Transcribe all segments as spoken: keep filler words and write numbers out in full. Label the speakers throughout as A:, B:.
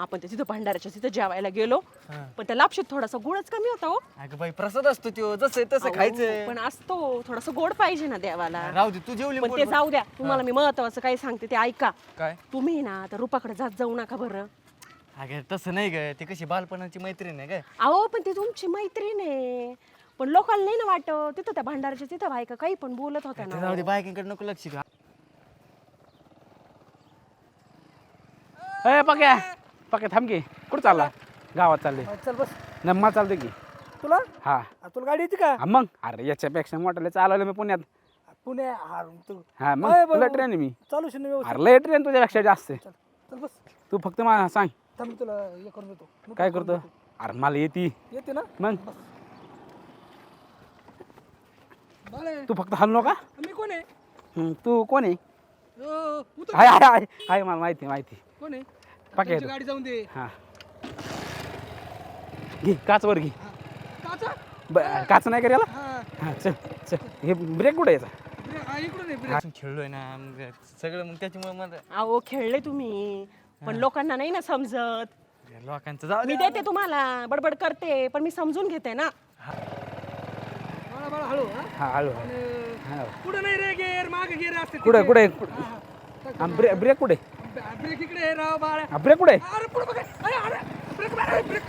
A: आपण ते तिथं भंडाऱ्याच्या तिथं जेवायला गेलो पण त्या लापशीत थोडासा गोडच कमी होता हो
B: अगं बाई प्रसाद असतो त्यो जसं आहे तसं खायचं.
A: पण असतो थोडासा गोड पाहिजे ना देवाला.
B: राहू दे तू जेवली
A: पण ते
B: पोटभर.
A: जाऊ द्या तुम्हाला मी महत्वाचं काही सांगते ते ऐका.
B: काय
A: तुम्ही ना आता रुपाकडे जात जाऊ नका बरं.
B: अगं तसं नाही ग ती कशी बालपणाची मैत्रीण आहे ग.
A: अहो पण ती तुमची मैत्रीण आहे पण लोकांना नाही ना वाटत तिथं त्या भंडाऱ्याच्या तिथं बायका काही पण बोलत होत्या
B: ते
A: ना.
B: जाऊ दे बायकांकडे नको लक्ष घा.
C: ए पक्या पक्या थांब की कुठं चालला गावात चालले
D: चल बस.
C: नम्मा चालते की
D: तुला
C: हा
D: आ, तुला गाडी येते का
C: हा, मग अरे याच्यापेक्षा मोठ्याला चालवलं मी पुण्यात
D: पुणे हा तू
C: हा
D: अय,
C: मग
D: बरं,
C: तुला
D: बरं.
C: ट्रेन आहे मी
D: चालू शून्य व्यवस्थित.
C: अरे लय ट्रेन तुझ्यापेक्षा जास्त आहे.
D: चल चल बस.
C: तू फक्त मला सांग
D: थांब मी तुला हे करून देतो. मी
C: काय
D: करून
C: करतो
D: देतो.
C: अरे मला येते
D: येते ना
C: मग
D: बाळे,
C: तू फक्त हल नका
D: मी कोण आहे
C: हम्म, तू कोण आहे
D: अ, उतर.
C: हाय हाय हाय हाय मला माहिती माहिती
D: कोण आहे
C: पक्या
D: तुमची गाडी जाऊन दे.
C: हा घे काच वर घे
D: काचा
C: ब- काच नाही करायला
D: हा
C: हा चल चल हे ब्रेक कुठे यायचा
D: ब्रे- हा, इकडून आहे ब्रेक.
B: आपण खेळलोय ना मग सगळं मग त्याच्यामुळे मला
A: अहो खेळले तुम्ही पण लोकांना नाही ना समजत.
B: लोकांचं जाऊ
A: मी
B: दे.
A: देते तुम्हाला बडबड करते पण मी समजून घेते ना.
D: बाळा बाळा हळू हा
C: हा हळू
D: आणि
C: हा
D: पुढे नाही रे गेअर मागे गेअर असते
C: कुठे
D: तिथे.
C: कुठे
D: हा, हा. टाक, टाक.
C: ब्रेक ब्रेक कुठे
D: ब- ब्रेक इकडे आहे राव बाळा.
C: हा ब्रेक कुठे
D: अरे पुढे बघ अरे अरे ब्रेक मार ब्रेक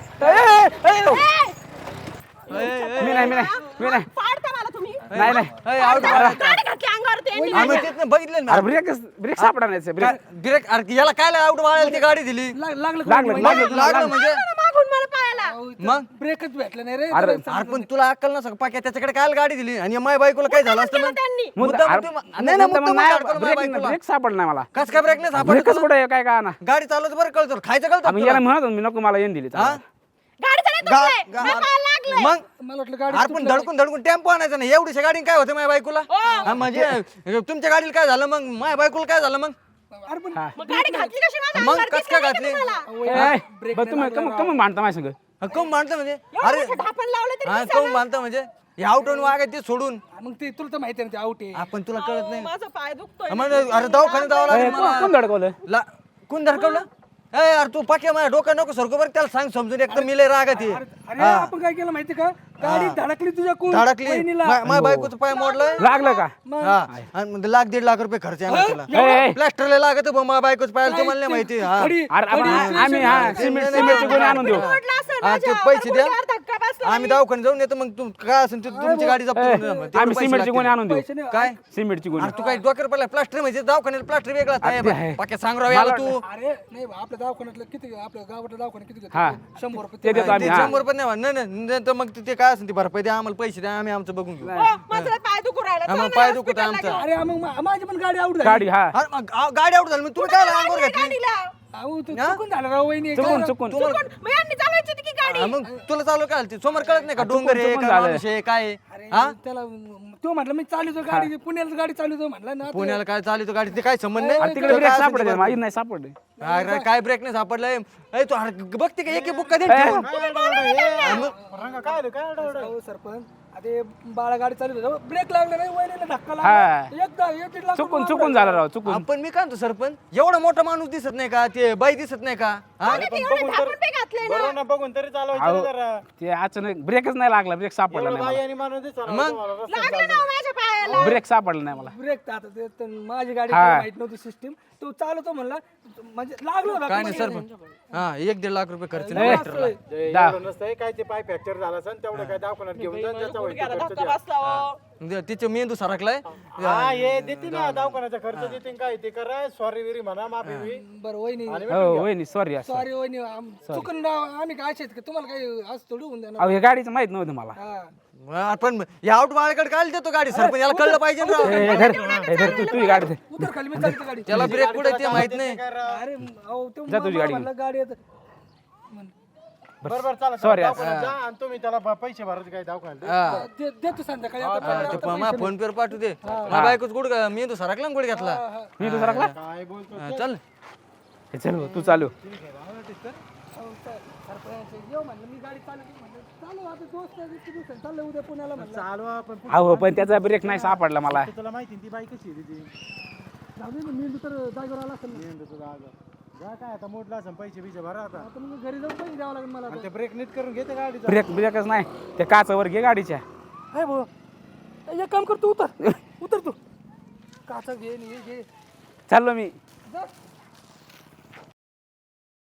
C: मी नाही मी नाही मी नाही
A: पाडता मला तुम्ही.
C: नाही नाही
B: अय, आउट
A: पाडता, गाडी घातली अंगावर त्यांनी.
B: आम्ही तिथनं बघितलं ना
C: अरे ब्रेक ब्रेक सापडा नाही ब्रेक
B: काय- ब्रेक अरे याला काय आउट वाळायला ती गाडी दिली
D: लाग- लागलं
C: लागलं
D: कोणी?
C: लागलं
B: लागलं म्हणजे
A: मला मागून मला पायाला.
D: अहो, इथं
B: मग?
D: ब्रेकच भेटलं नाही रे
C: अरे,
D: त्याला
B: अरे पण तुला अक्कल नसं पाक्या त्याच्याकडे काय गाडी दिली आणि माय बायकोला काय झालं असतं
A: केलं
B: मग
A: त्यांनी.
B: मुद्दाम
C: अरे,
B: तुम्ही- नाही नाही
C: मुद्दाम
B: मुद्दाम
C: नाही,
B: अडकवलं माझ्या
C: ब्रेक
B: बायकोला.
C: ब्रेक सापडला नाही मला
B: कस काय ब्रेक नाही सापडलं
C: ब्रेकच
B: तुला?
C: कुठे आहे काय का ना
B: गाडी चालवत बरं कळतं खायचं कळतं
C: आम्ही
B: तुला?
C: याला म्हणत होतो मी नको मला येऊन दिली
B: हा?
A: गाडी चालत
B: गा-
A: बसले.
B: गा-
A: मला पायाला लागलंय.
B: मग
D: मला वाटलं गाडी
B: अरे पण धडकून धडकून टेम्पो आणायचा नाही एवढीशा गाडीने काय होतं माझ्या बायकोला हा, म्हणजे तुमच्या गाडीला काय झालं मग माझ्या बायकोला काय झालं मग
D: अरे पण
C: हा.
A: मग गाडी घातली कशी माझ्या
B: मग
A: अंगावर?
B: कस काय
A: दिसलं
B: घातली
A: नाही का तुम्हाला?
D: अहो,
C: ए,
D: ब्रेक
C: बरं तुम्ही कम कम भांडता माझ्या संग
B: कम मानतं म्हणजे
A: एवढं
B: अरे
A: मोठं ढापण लावलं तरी
B: हा
A: दिसेना.
B: कम मानतं म्हणजे हे आउटून वागाय ते सोडून
D: मग ते तुला तर माहिती आहे ना ते आउट आहे
B: आपण तुला कळत
A: अहो,
B: नाही
A: माझा पाय दुखतोय.
B: म्हणजे अरे दवाखान्यात जावं
C: ए,
B: लागेल
C: कोण
B: मला
C: कोण धडकवलं
B: ला कोण धडकवलं ए यार तू पाक्या माझ्या डोकं नको सरको बरं त्याला सांग समजून एकदम मिले रागात ये.
D: अरे आपण काय केलं माहिती का गाडी धडकली तुझ्या कोण
B: धडकली
D: वहिनीला.
B: मा- माझ्या बायकोचं पाय मोडलंय
C: लागलं का
B: हा आणि मग लाख दीड लाख रुपये खर्च आहे ना त्याला
C: ए, ए,
B: प्लास्टरला लागत बा माझ्या बायकोचं पायाला तुम्हाला नाही माहिती हा
D: खडी-
C: अरे आपण
D: खडी-
C: आम्ही हा सिमेंट सिमेंटची गोणी आणून देऊ
A: मोडलं असेल
B: हा, ते
A: माझ्या.
B: पैसे द्या.
A: गुडघ्यावर धक्का बसला.
B: आम्ही दवाखान्यात जाऊन येतो मग तू काय असेल ते तुमची गाडी जप्त करून द्या मग. तेवढे
C: आम्ही
B: पैसे
C: सिमेंटची गोणी
B: लागतील.
C: आणून देऊ
D: पैसे नाही.
B: काय
C: सिमेंटची गोणी
B: अरे तू काय डोक्यावर पडला प्लास्टर म्हणजे दवाखान्यात प्लास्टर वेगळा
C: ते आहे.
B: पाक्या सांग राव याला तू
D: अरे नाही बा, आपल्या दवाखान्यातलं किती आपल्या गावातलं दवाखान्यात किती
C: हा.
D: घेतो शंभर रुपये
C: ते देतो आम्ही
B: ते
C: हा
B: शंभर रुपये नाही म्हणा. नाही नाही नाही तर मग ते काय असेल ते भरपाई द्या आम्हाला पैसे द्या आम्ही आमचं बघून घेऊ
A: हो, माझा पाय दुखू राहिला.
B: हा, मग
A: चल ना
B: पाय दुखत
A: हॉस्पिटलला
B: आमचा.
A: घेऊन.
D: अरे मग मा- माझी पण गाडी आउट झाली
C: गाडी हा
B: अरे मग गा- गाडी आउट झाली मग तुम्ही काय अंगावर घेतली
A: गाडीला.
D: अहो तू चुकून झालं राव वहिनी
C: चुकून
D: काय-
C: चुकून
B: तुम्हाला
A: पण मग यांनी चालवायची होती की गाडी.
B: हा, मग तुला चालू काय ते समोर कळत नाही का
C: चुकून-
B: डोंगर आहे
C: चुकून
B: काय
C: झालं.
B: माणूस आहे काय आहे?
D: अरे
B: हा
D: त्याला तो म्हटलं मी चालू गाडी पुण्याला गाडी चालू म्हटलं ना
B: पुण्याला काय चालू तो गाडी ते काय संबंध
C: अरे
B: नाही
C: तिकडे
B: तुला
C: ब्रेक
B: काय असेल ते
C: सापडले
B: बरं.
C: माझी नाही सापडले
B: अरे काय ब्रेक नाही सापडलाय ए, तू अरे बघते का एक बुक कधी
D: अहो, सरपंच अरे बाळा गाडी चालू होती ब्रेक लागला नाही वहिनीला धक्का
C: हा.
D: लागला एकदा एक दीड लाख
C: चुकून
D: रुपये
C: चुकून झालं राव चुकून
B: आपण मी काय म्हणतो सरपंच एवढा मोठा माणूस दिसत नाही का ते बाई दिसत नाही का हा?
A: आणि ते एवढे ढापून ते घातले ना.
E: बरोबर ना बघून तरी चालवायचं
C: अहो,
E: ना जरा
C: ते अचानक ब्रेकच नाही लागला ब्रेक सापडला
E: एवढं
C: नाही
E: बाई
C: मला
E: आणि माणूस दिसला
B: मग?
A: लागलं ना हो माझ्या पायाला.
C: ब्रेक सापडला नाही मला
D: ब्रेक तर आता ते तर माझी गाडी
C: हा.
D: काही माहित नव्हती सिस्टीम तो चालवतो म्हणला म्हणजे लागलो होता
B: काय नाही सरपंच हा एक दीड लाख रुपये खर्च
C: ए,
B: नाही ट्रॅक्टरला.
C: दा.
E: एवढं नसतंय काय ते पाय फ्रॅक्चर झाला असेल तेवढं काय दवाखान्यात घेऊन जा त्याचा होईल तो
A: गुडघ्याला
E: खर्च
A: धक्का
E: द्या.
A: बसला हो.
B: म्हणजे तिचे मेंदू सरकलाय
E: हा हे देते ना दवाखान्याचा खर्च देते काय ते करा सॉरी विरी म्हणा माफी बी
D: बरं वहिनी
C: हो वहिनी सॉरी असं
D: सॉरी वहिनी आम- चुकून राव, आम्ही काय आहेत का तुम्हाला काही आज थोडी होऊन देणार
C: अहो हे गाडीचं माहित नव्हतं मला
D: हा.
B: आपण या आउट बाळाकडे काय देतो गाडी सरपंच याला कळलं पाहिजे ना राव.
C: ए, ए, धर ए, धर तू तुझी गाडी धर.
D: उतर खाली मी चालते गाडी
B: त्याला ब्रेक कुठे ते माहित नाही
D: अरे अहो ते
C: जा तुझी गाडी
D: म्हणलं गाडी येत
E: बरोबर चला
C: Sorry,
E: चला, दवाखान्यात जा आणि तुम्ही त्याला ब- पैसे भरायचे काय दवाखान्यात
B: हा.
D: दे- देतो संध्याकाळी आता
B: हा, ते प- माझ्या फोन पे वर पाठवू दे माझ्या बायकोच गुड मेंदू सरकला ना गुड घेतला
C: मी दुसरा का
E: काय बोलतो
B: हा, चल
C: हे चल भाऊ, तू चालू
D: अहो, स- सरपंच येऊ म्हणलं मी गाडी चालू केली म्हणलं चालू आता दोस्त आहे, इतके दिवसांनी चाललं उद्या पुण्याला म्हणलं
E: चालवा पण
C: अहो पण त्याचा ब्रेक नाही सापडला मला
E: तुला माहिती ना ती बाई कशी आहे तिची
D: जाऊ दे ना, मेंदू तर जागेवर आला असेल ना.
E: मेंदूचं जागा. जा काय आता मोठला असं पैसे बिचे भरा आता
D: आता मग घरी जाऊन पैसे द्यावं लागेल मला
E: आणि ते ब्रेक नीट करून घेते गाडीचा
C: ब्रेक ब्रेकच नाही ते काचावर घे गाडीच्या
D: आहे भाऊ एक काम कर तू उतर उतर तू काचा घे आणि हे घे
C: चाललो मी
D: जा